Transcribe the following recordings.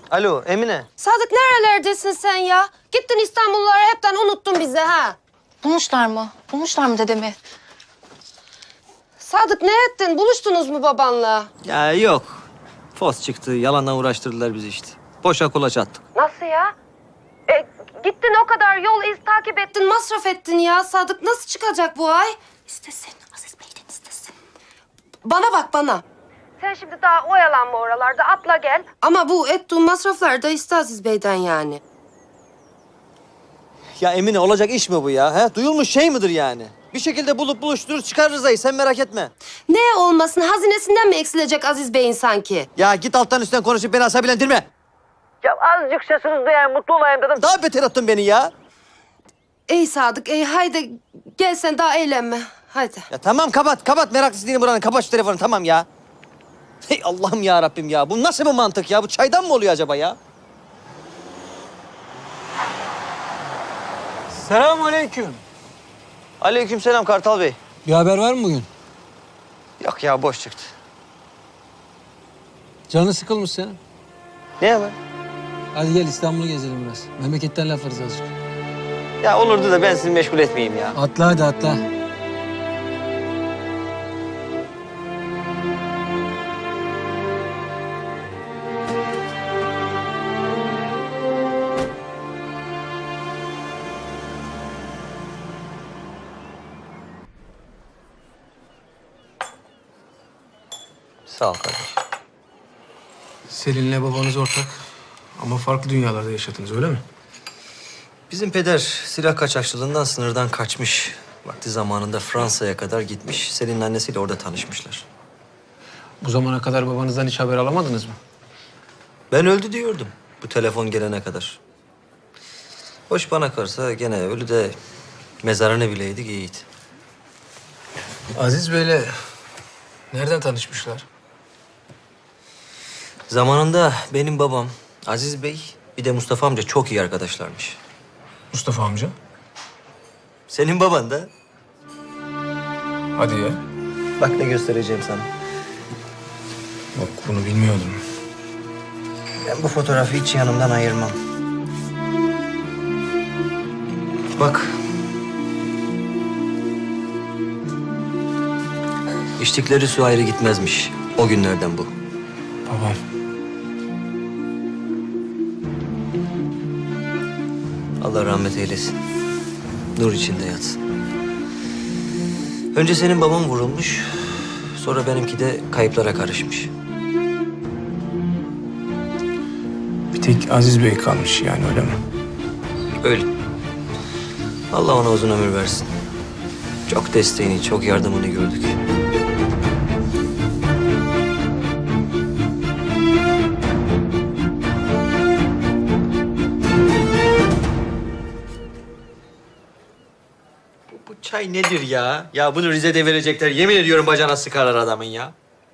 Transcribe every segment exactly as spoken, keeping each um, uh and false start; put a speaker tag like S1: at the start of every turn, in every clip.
S1: Alo Emine.
S2: Sadık nerelerdesin sen ya? Gittin İstanbulluları hepten unuttun bizi ha.
S3: Bulmuşlar mı? Bulmuşlar mı dedemi?
S2: Sadık ne ettin? Buluştunuz mu babanla?
S1: Ya yok. Fos çıktı. Yalanla uğraştırdılar bizi işte. Boşa kulaç attık.
S2: Nasıl ya? E, gittin o kadar yol iz takip ettin, masraf ettin ya. Sadık nasıl çıkacak bu ay?
S3: İstesin. Aziz Bey'den istesin.
S2: Bana bak bana. Sen şimdi daha oyalanma oralarda, atla gel. Ama bu ettiğin masraflar da iste Aziz Bey'den yani.
S1: Ya Emine olacak iş mi bu ya? He? Duyulmuş şey midir yani? Bir şekilde bulup buluşturur çıkarırız ayı. Sen merak etme.
S2: Ne olmasın, hazinesinden mi eksilecek Aziz Bey'in sanki?
S1: Ya git alttan üstten konuşup beni asabilendirme. Ya azıcık sesiniz duyayım, mutlu olayım dedim. Daha beter attın beni ya.
S2: Ey Sadık, ey haydi gel sen daha eğlenme. Haydi.
S1: Ya tamam kapat, kapat. Meraklısı değilim buranın. Kapat şu telefonu tamam ya. Hey Allah'ım ya Rabbim ya. Bu nasıl bir mantık ya? Bu çaydan mı oluyor acaba ya?
S4: Selamünaleyküm.
S1: Aleykümselam Kartal Bey.
S4: Bir haber var mı bugün?
S1: Yok ya boş çıktı.
S4: Canı sıkılmış senin.
S1: Ne haber?
S4: Hadi gel İstanbul'u gezelim biraz. Memleketten laflarız azıcık.
S1: Ya olurdu da ben sizi meşgul etmeyeyim ya.
S4: Atla hadi atla.
S1: Sağ ol kardeşim.
S5: Selin'le babanız ortak ama farklı dünyalarda yaşadınız öyle mi?
S1: Bizim peder silah kaçakçılığından sınırdan kaçmış. Vakti zamanında Fransa'ya kadar gitmiş. Selin'in annesiyle orada tanışmışlar.
S5: Bu zamana kadar babanızdan hiç haber alamadınız mı?
S1: Ben öldü diyordum bu telefon gelene kadar. Hoş bana kalırsa gene ölü de mezarını bileydik iyiydi.
S5: Aziz Bey'le nereden tanışmışlar?
S1: Zamanında benim babam Aziz Bey bir de Mustafa amca çok iyi arkadaşlarmış.
S5: Mustafa amca.
S1: Senin baban da.
S5: Hadi ya.
S1: Bak ne göstereceğim sana.
S5: Bak bunu bilmiyordum.
S1: Ben bu fotoğrafı hiç yanımdan ayırmam. Bak. İçtikleri su ayrı gitmezmiş. O günlerden bu.
S5: Babam.
S1: Allah rahmet eylesin. Nur içinde yatsın. Önce senin baban vurulmuş. Sonra benimki de kayıplara karışmış.
S5: Bir tek Aziz Bey kalmış yani öyle mi?
S1: Öyle. Allah ona uzun ömür versin. Çok desteğini, çok yardımını gördük. Bu, bu çay nedir ya? Ya bunu Rize'de verecekler. Yemin ediyorum bacana sıkarlar adamın ya.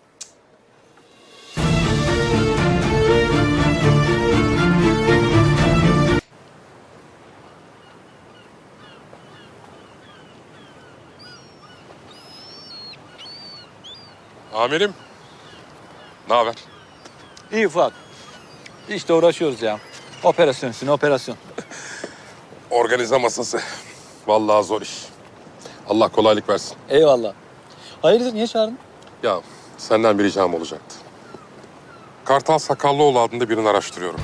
S6: Amirim. Ne haber?
S7: İyi Fuat. İşte uğraşıyoruz ya. Operasyon üstüne operasyon.
S6: Organize masası. Vallahi zor iş. Allah kolaylık versin.
S7: Eyvallah. Hayırdır niye çağırdın?
S6: Ya senden bir ricam olacaktı. Kartal Sakallıoğlu adında birini araştırıyorum.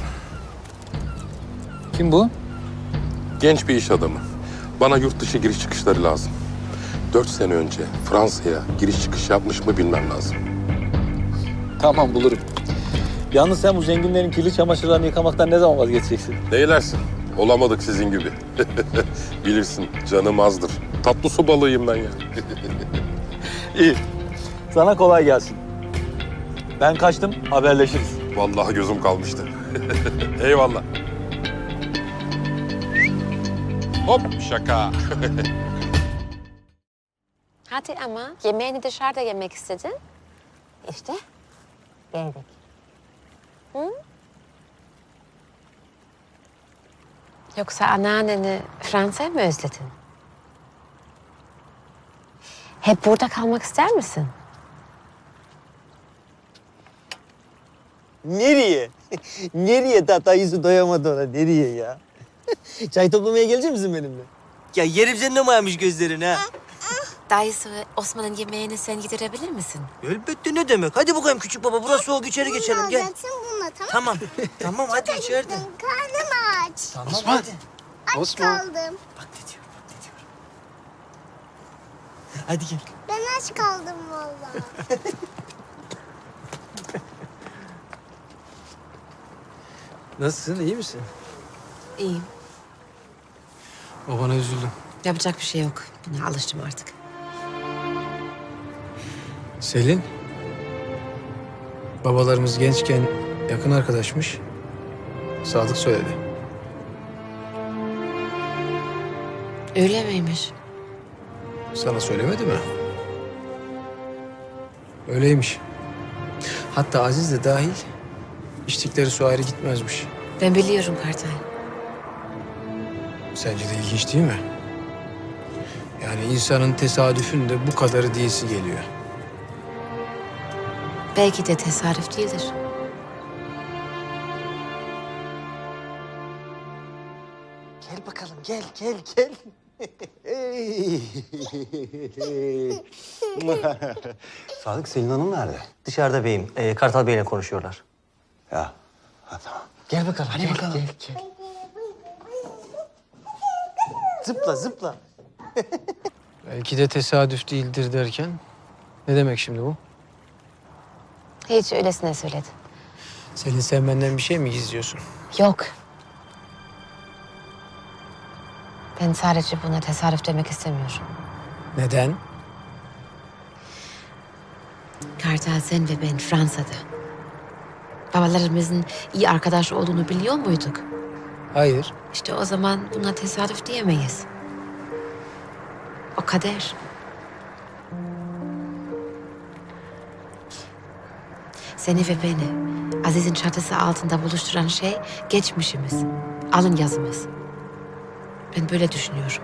S7: Kim bu?
S6: Genç bir iş adamı. Bana yurt dışı giriş çıkışları lazım. Dört sene önce Fransa'ya giriş çıkış yapmış mı bilmem lazım.
S7: Tamam bulurum. Yalnız sen bu zenginlerin kirli çamaşırlarını yıkamaktan ne zaman vazgeçeceksin?
S6: Neylersin? Olamadık sizin gibi. Bilirsin canım azdır. Tatlı su balığıyım ben ya.
S7: İyi. Sana kolay gelsin. Ben kaçtım, haberleşiriz.
S6: Vallahi gözüm kalmıştı. Eyvallah. Hop şaka.
S8: Hadi ama yemeğini dışarıda yemek istedin. İşte geldik. Hı? Yoksa anneanneni Fransa'ya mı özledin? Hep burada kalmak ister misin?
S9: Nereye? Nereye ta dayısı doyamadı ona? Nereye ya? Çay toplamaya gelecek misin benimle? Ya yerim senin o mayamış gözlerini ha.
S8: Dayısı ve Osman'ın yemeğini sen yedirebilir misin?
S9: Elbette ne demek? Hadi bakayım küçük baba. Burası soğuk, içeri geçelim. Gel.
S10: Bununla tamam.
S9: Tamam. Tamam hadi içeride.
S10: Karnım aç.
S9: Tamam hadi.
S10: Aç kaldım.
S9: Bak ne diyor, bak ne diyor. Hadi gel.
S10: Ben aç kaldım vallahi.
S4: Nasılsın, iyi misin?
S8: İyiyim.
S4: Babana üzüldüm.
S8: Yapacak bir şey yok. Buna alıştım artık.
S4: Selin. Babalarımız gençken yakın arkadaşmış. Sadık söyledi.
S8: Öyle miymiş?
S4: Sana söylemedi mi? Öyleymiş. Hatta Aziz de dahil içtikleri su ayrı gitmezmiş.
S8: Ben biliyorum Kartal.
S4: Sence de ilginç değil mi? Yani insanın tesadüfün de bu kadarı diyesi geliyor.
S8: Belki de tesadüf değildir.
S9: Gel bakalım gel gel gel.
S11: Sadık, Selin Hanım nerede?
S1: Dışarıda beyim. Ee, Kartal Bey'le konuşuyorlar.
S11: Ya, ha, tamam.
S9: Gel bakalım. Hadi bakalım. Gel, gel. Zıpla zıpla.
S4: Belki de tesadüf değildir derken ne demek şimdi bu?
S8: Hiç öylesine söyledi.
S4: Selin, sen benden bir şey mi gizliyorsun?
S8: Yok. Ben sadece buna tesadüf demek istemiyorum.
S4: Neden?
S8: Kartal, sen ve ben Fransa'da. Babalarımızın iyi arkadaş olduğunu biliyor muyduk?
S4: Hayır.
S8: İşte o zaman buna tesadüf diyemeyiz. O kader. Seni ve beni Aziz'in çatısı altında buluşturan şey geçmişimiz, alın yazımız. Ben böyle düşünüyorum.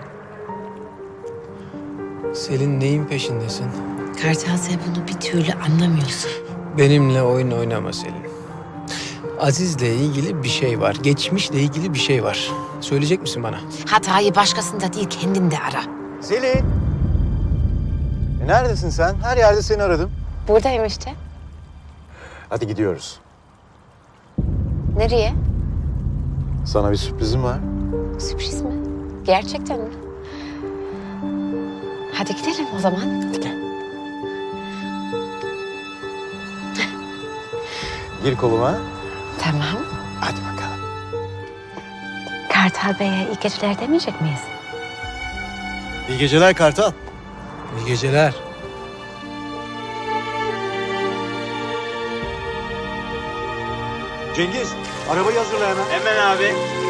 S4: Selin, neyin peşindesin?
S8: Kartal, sen bunu bir türlü anlamıyorsun.
S4: Benimle oyun oynama Selin. Aziz'le ilgili bir şey var. Geçmişle ilgili bir şey var. Söyleyecek misin bana?
S8: Hatayı başkasında değil kendinde ara.
S11: Selin! E, neredesin sen? Her yerde seni aradım.
S8: Buradayım işte.
S11: Hadi gidiyoruz.
S8: Nereye?
S11: Sana bir sürprizim var.
S8: Sürpriz mi? Gerçekten mi? Hadi gidelim o zaman.
S11: Hadi gel. Gir koluma.
S8: Tamam.
S11: Hadi bakalım.
S8: Kartal Bey'e iyi geceler demeyecek miyiz?
S11: İyi geceler Kartal.
S4: İyi geceler.
S11: Cengiz, arabayı hazırla hemen.
S9: Hemen abi.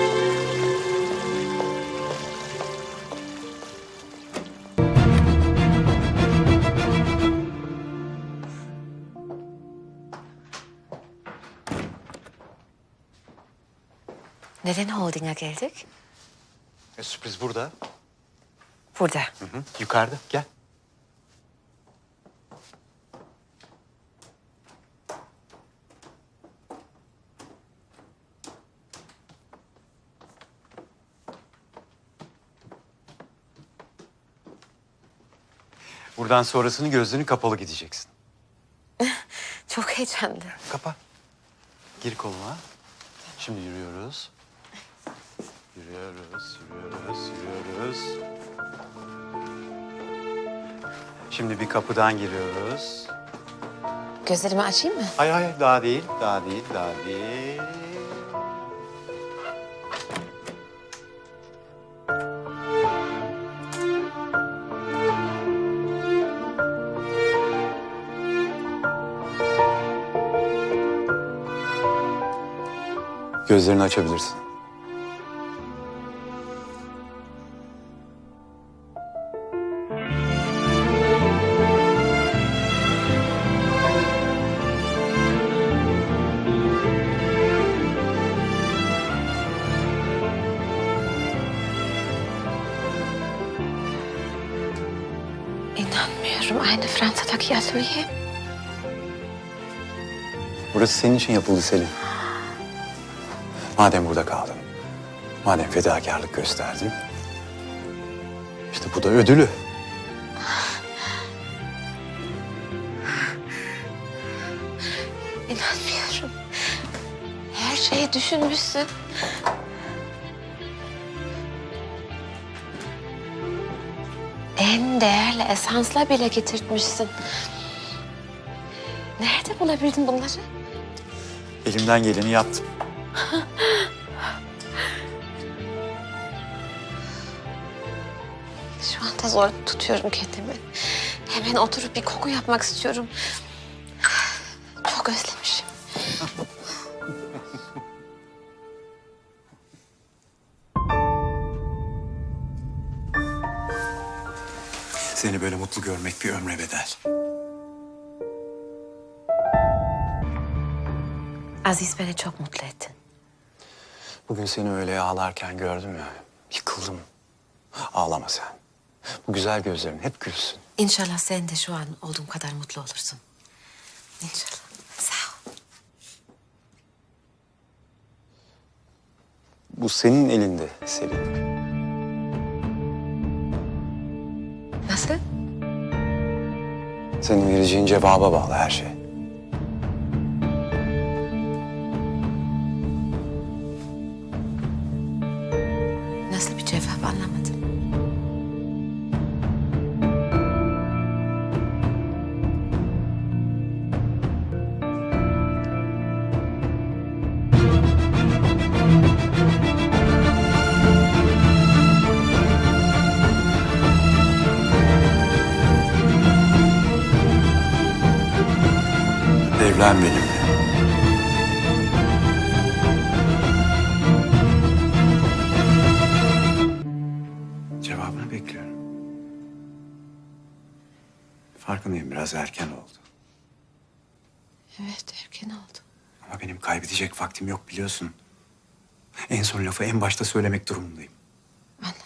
S8: Neden holdinga geldik?
S11: E, sürpriz burada.
S8: Burada.
S11: Hı hı. Yukarıda. Gel. Buradan sonrasını gözlerini kapalı gideceksin.
S8: Çok heyecanlı.
S11: Kapa. Gir koluma. Şimdi yürüyoruz. Yürüyoruz, yürüyoruz, yürüyoruz. Şimdi bir kapıdan giriyoruz.
S8: Gözlerimi açayım mı?
S11: Hayır hayır daha değil, daha değil, daha değil. Gözlerini açabilirsin.
S8: İnanmıyorum. Aynı Fransa'daki atölye.
S11: Burası senin için yapıldı Selin. Madem burada kaldın, madem fedakarlık gösterdin, işte bu da ödülü.
S8: İnanmıyorum. Her şeyi düşünmüşsün. En değerli esansla bile getirtmişsin. Nerede bulabildin bunları?
S11: Elimden geleni yaptım.
S8: Şu anda zor tutuyorum kendimi. Hemen oturup bir koku yapmak istiyorum. Çok özlemişim.
S11: Seni böyle mutlu görmek bir ömre bedel.
S8: Aziz beni çok mutlu ettin.
S11: Bugün seni öyle ağlarken gördüm ya, yıkıldım. Ağlama sen. Bu güzel gözlerin hep gülsün.
S8: İnşallah sen de şu an olduğum kadar mutlu olursun. İnşallah. Sağ ol.
S11: Bu senin elinde Selin.
S8: Nasıl?
S11: Senin vereceğin cevaba bağlı her şey.
S8: Nasıl bir cevap anlamadım.
S11: Evlen benimle. Cevabını bekliyorum. Farkındayım, biraz erken oldu.
S8: Evet, erken oldu.
S11: Ama benim kaybedecek vaktim yok biliyorsun. En son lafı en başta söylemek durumundayım.
S8: Anladım.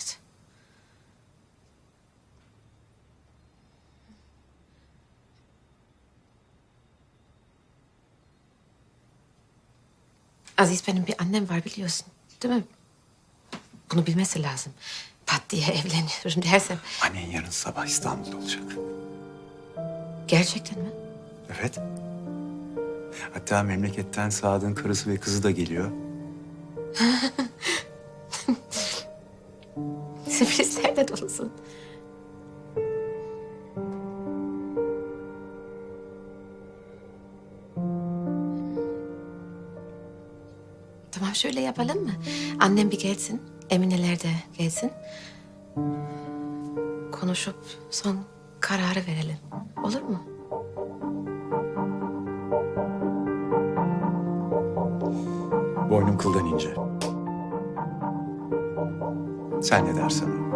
S8: Aziz, benim bir annem var biliyorsun, değil mi? Bunu bilmesi lazım. Pat diye evleniyorum dersem.
S11: Annen yarın sabah İstanbul'da olacak.
S8: Gerçekten mi?
S11: Evet. Hatta memleketten Sadık'ın karısı ve kızı da geliyor.
S8: Sürprizlerle dolusun. Tamam, şöyle yapalım mı? Annem bir gelsin, Emineler de gelsin. Konuşup son kararı verelim. Olur mu?
S11: Boynum kıldan ince. Sen ne dersen o.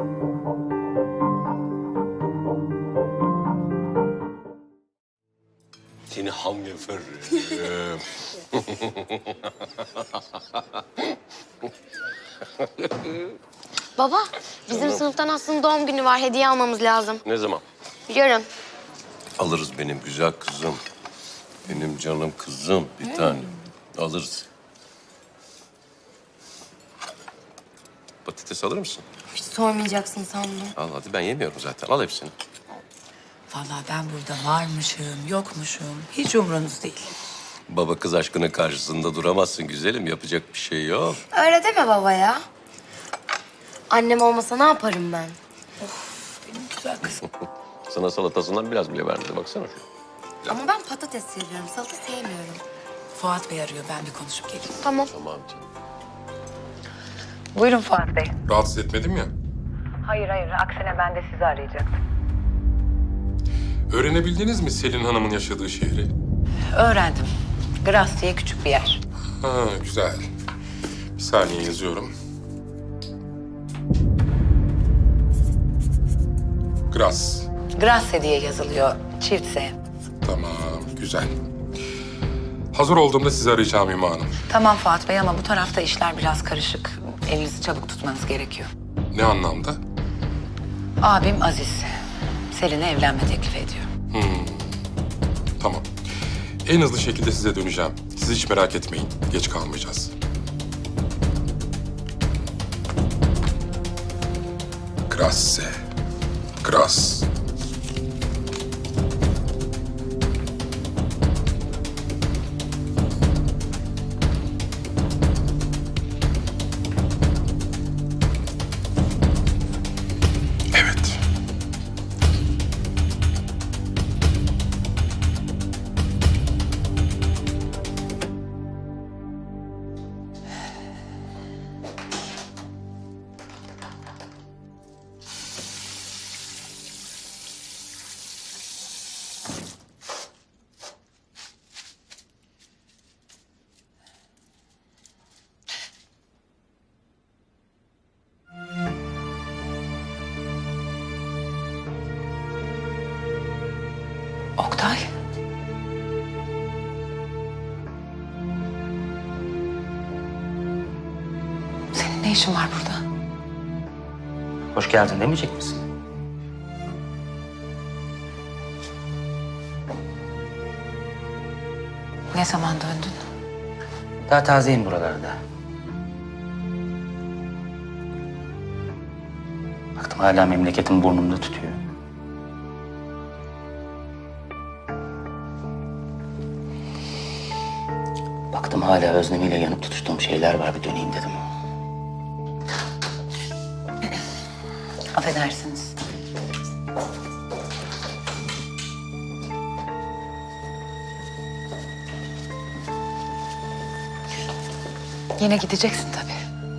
S6: Seni hamlefer.
S10: Baba, bizim sınıftan Aslı'nın doğum günü var. Hediye almamız lazım.
S12: Ne zaman?
S10: Yarın.
S12: Alırız benim güzel kızım. Benim canım kızım bir tane. Alırız. Patates alır mısın?
S10: Hiç sormayacaksın sandım.
S12: Al hadi, ben yemiyorum zaten. Al hepsini.
S13: Vallahi ben burada varmışım, yokmuşum. Hiç umrunuz değil.
S12: Baba kız aşkının karşısında duramazsın güzelim. Yapacak bir şey yok.
S10: Öyle deme baba ya. Annem olmasa ne yaparım ben?
S13: Benim güzel kızım.
S12: Sana salatasından biraz bile vermedi. Baksana şu.
S10: Ama ben patates seviyorum, salata sevmiyorum.
S13: Fuat Bey arıyor, ben bir konuşup geleyim.
S10: Tamam.
S12: Tamam canım.
S13: Buyurun Fuat Bey.
S6: Rahatsız etmedim ya.
S13: Hayır hayır, aksine ben de sizi arayacaktım.
S6: Öğrenebildiniz mi Selin Hanım'ın yaşadığı şehri?
S13: Öğrendim. Gras diye küçük bir yer.
S6: Ha, güzel. Bir saniye yazıyorum. Gras.
S13: Grasse diye yazılıyor, çift S.
S6: Tamam, güzel. Hazır olduğumda sizi arayacağım Hüma Hanım.
S13: Tamam Fuat Bey ama bu tarafta işler biraz karışık. Elinizi çabuk tutmanız gerekiyor.
S6: Ne anlamda?
S13: Abim Aziz, Selin'e evlenme teklif ediyor.
S6: Hmm. Tamam. En hızlı şekilde size döneceğim. Siz hiç merak etmeyin. Geç kalmayacağız. Grazie. Gras. Evet.
S13: Oktay. Senin ne işin var burada?
S7: Hoş geldin demeyecek misin?
S13: Ne zaman döndün?
S7: Daha tazeyim buralarda. Baktım hala memleketim burnumda tutuyor. Baktım hala özlemiyle yanıp tutuştuğum şeyler var, bir döneyim dedim.
S13: Affedersiniz. Yine gideceksin tabii.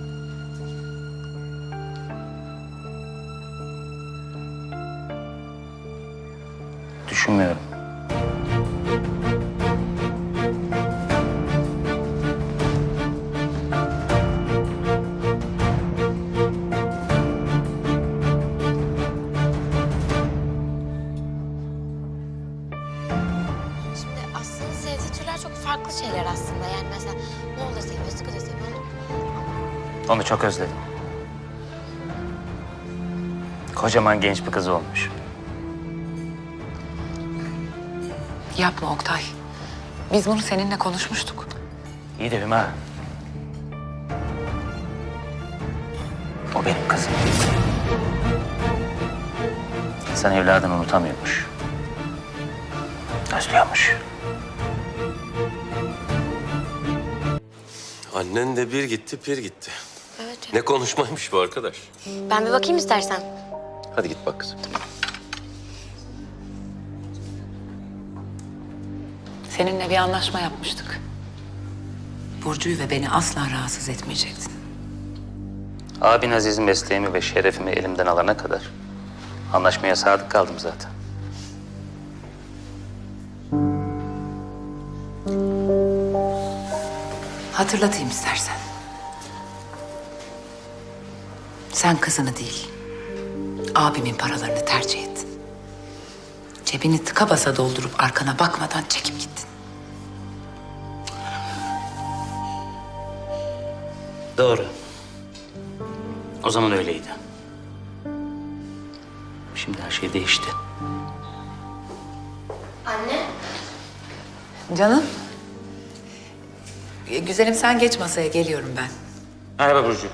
S7: Düşünmüyorum.
S10: Şimdi Aslı'nın sevdiği türler çok farklı şeyler aslında. Yani mesela Moğol da seviyor, Sıkı da seviyor.
S7: Onu çok özledim. Kocaman genç bir kız olmuş.
S13: Yapma Oktay. Biz bunu seninle konuşmuştuk.
S7: İyi de Hüma. O benim kızım. İnsan evladını unutamıyormuş. Özlüyormuş.
S12: Annen de bir gitti, bir gitti.
S10: Evet.
S12: Ne konuşmaymış bu arkadaş.
S10: Ben bir bakayım istersen.
S12: Hadi git bak kızım.
S13: Seninle bir anlaşma yapmıştık. Burcu'yu ve beni asla rahatsız etmeyecektin.
S7: Abin Aziz'in mesleğimi ve şerefimi elimden alana kadar anlaşmaya sadık kaldım zaten.
S13: Hatırlatayım istersen. Sen kızını değil, abimin paralarını tercih ettin. Cebini tıka basa doldurup arkana bakmadan çekip gittin.
S7: Doğru. O zaman öyleydi. Şimdi her şey değişti.
S10: Anne.
S13: Canım. E, Güzelim sen geç masaya, geliyorum ben.
S7: Merhaba Burcu.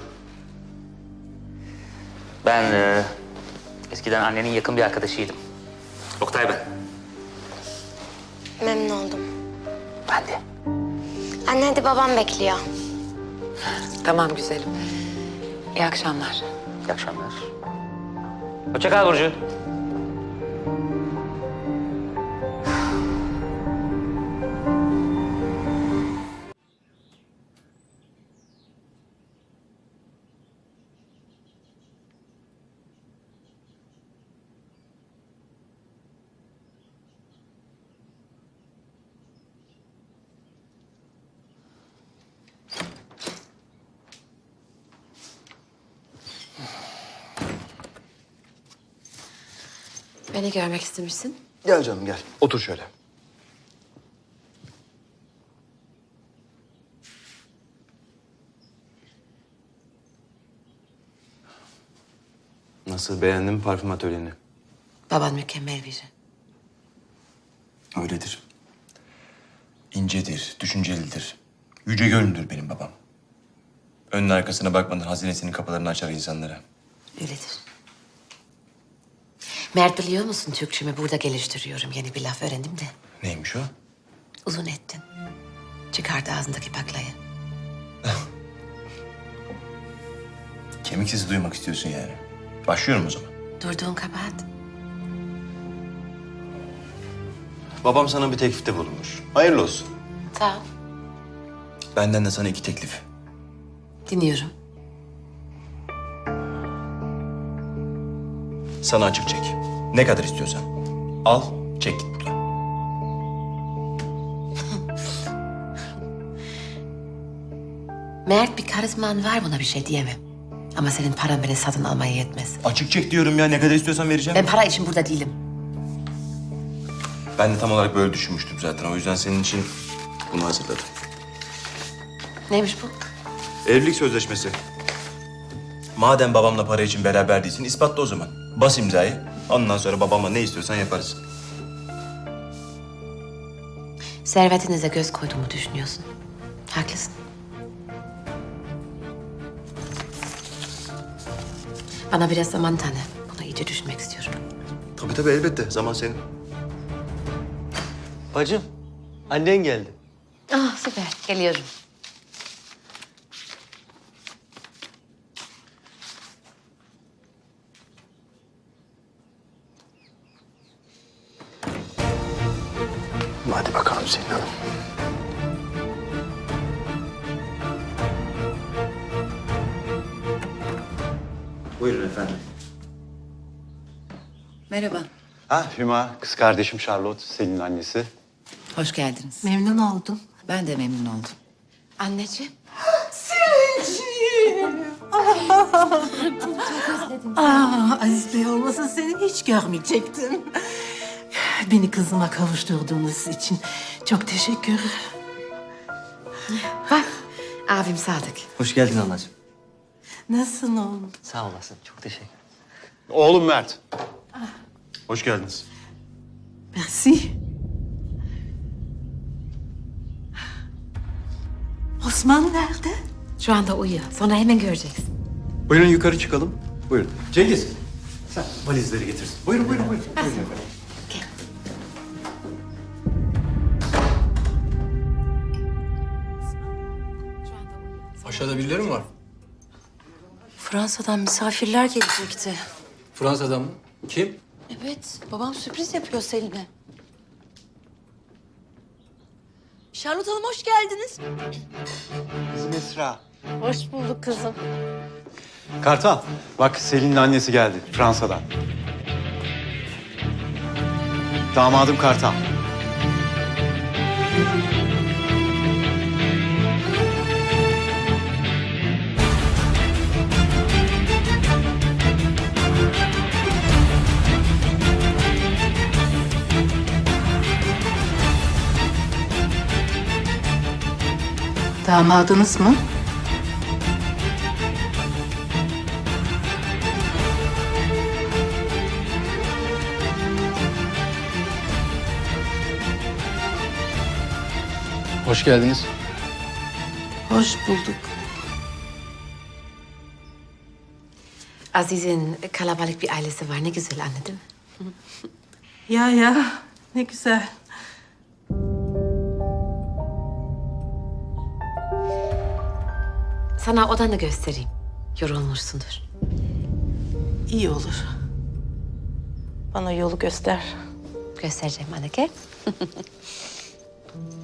S7: Ben e, eskiden annenin yakın bir arkadaşıydım. Oktay ben.
S10: Memnun oldum.
S7: Ben de.
S10: Anne hadi babam bekliyor.
S13: Tamam güzelim. İyi akşamlar.
S7: İyi akşamlar. Hoşça kal Burcu.
S8: Beni görmek istemişsin.
S11: Gel canım gel. Otur şöyle. Nasıl, beğendin mi parfüm atölyeni?
S8: Baban mükemmel biri.
S11: Öyledir.
S14: incedir, düşüncelidir. Yüce gönüllüdür benim babam. Önüne arkasına bakmadan hazinesinin kapılarını açar insanlara.
S8: Öyledir. Mert biliyor musun Türkçemi burada geliştiriyorum. Yeni bir laf öğrendim de.
S14: Neymiş o?
S8: Uzun ettin. Çıkardı ağzındaki baklayı.
S14: Kemik sesi duymak istiyorsun yani. Başlıyorum o zaman.
S8: Durduğun kabahat.
S14: Babam sana bir teklifte bulunmuş. Hayırlı olsun.
S8: Sağ ol.
S14: Benden de sana iki teklif.
S8: Dinliyorum.
S14: Sana açık çek. Ne kadar istiyorsan. Al, çek git buradan.
S8: Mert bir karizman var, buna bir şey diyemem. Ama senin paran beni satın almaya yetmez.
S14: Açık çek diyorum ya. Ne kadar istiyorsan vereceğim.
S8: Ben para için burada değilim.
S14: Ben de tam olarak böyle düşünmüştüm zaten. O yüzden senin için bunu hazırladım.
S8: Neymiş bu?
S14: Evlilik sözleşmesi. Madem babamla para için beraber değilsin, ispatla o zaman. Bas imzayı. Ondan sonra babamla ne istiyorsan yaparız.
S8: Servetinize göz koyduğumu düşünüyorsun. Haklısın. Bana biraz zaman tanı. Bunu iyice düşünmek istiyorum.
S14: Tabii tabii elbette. Zaman senin.
S9: Bacım, annen geldi.
S8: Ah süper, geliyorum.
S11: Hadi bakalım Selin Hanım.
S14: Buyurun efendim.
S13: Merhaba.
S11: Ha Hüma, kız kardeşim Charlotte, Selin'in annesi.
S13: Hoş geldiniz.
S8: Memnun oldum.
S13: Ben de memnun oldum.
S8: Anneciğim.
S15: Aa, Aziz Bey olmasa seni hiç görmeyecektim. Beni kızıma kavuşturduğunuz için çok teşekkür.
S8: Bak, abim Sadık.
S1: Hoş geldin anacığım.
S15: Nasılsın oğlum?
S1: Sağ olasın. Çok teşekkür ederim.
S11: Oğlum Mert. Hoş geldiniz.
S15: Merci. Osman nerede?
S8: Şu anda uyuyor. Sonra hemen göreceksin.
S14: Buyurun yukarı çıkalım. Buyurun. Cengiz, sen valizleri getirsin. Buyurun, buyurun, buyurun. Buyurun efendim.
S4: Aşağıda birileri mi var?
S3: Fransa'dan misafirler gelecekti.
S4: Fransa'dan mı? Kim?
S3: Evet, babam sürpriz yapıyor Selin'e. Charlotte Hanım hoş geldiniz.
S11: Kızım Esra.
S15: Hoş bulduk kızım.
S11: Kartal, bak Selin'in annesi geldi Fransa'dan. Damadım Kartal.
S15: Damadınız mı?
S4: Hoş geldiniz.
S15: Hoş bulduk.
S8: Aziz'in kalabalık bir ailesi var. Ne güzel anne değil mi?
S15: Ya ya, ne güzel.
S8: Sana odanı göstereyim. Yorulmuşsundur.
S15: İyi olur. Bana yolu göster.
S8: Göstereceğim anne, gel.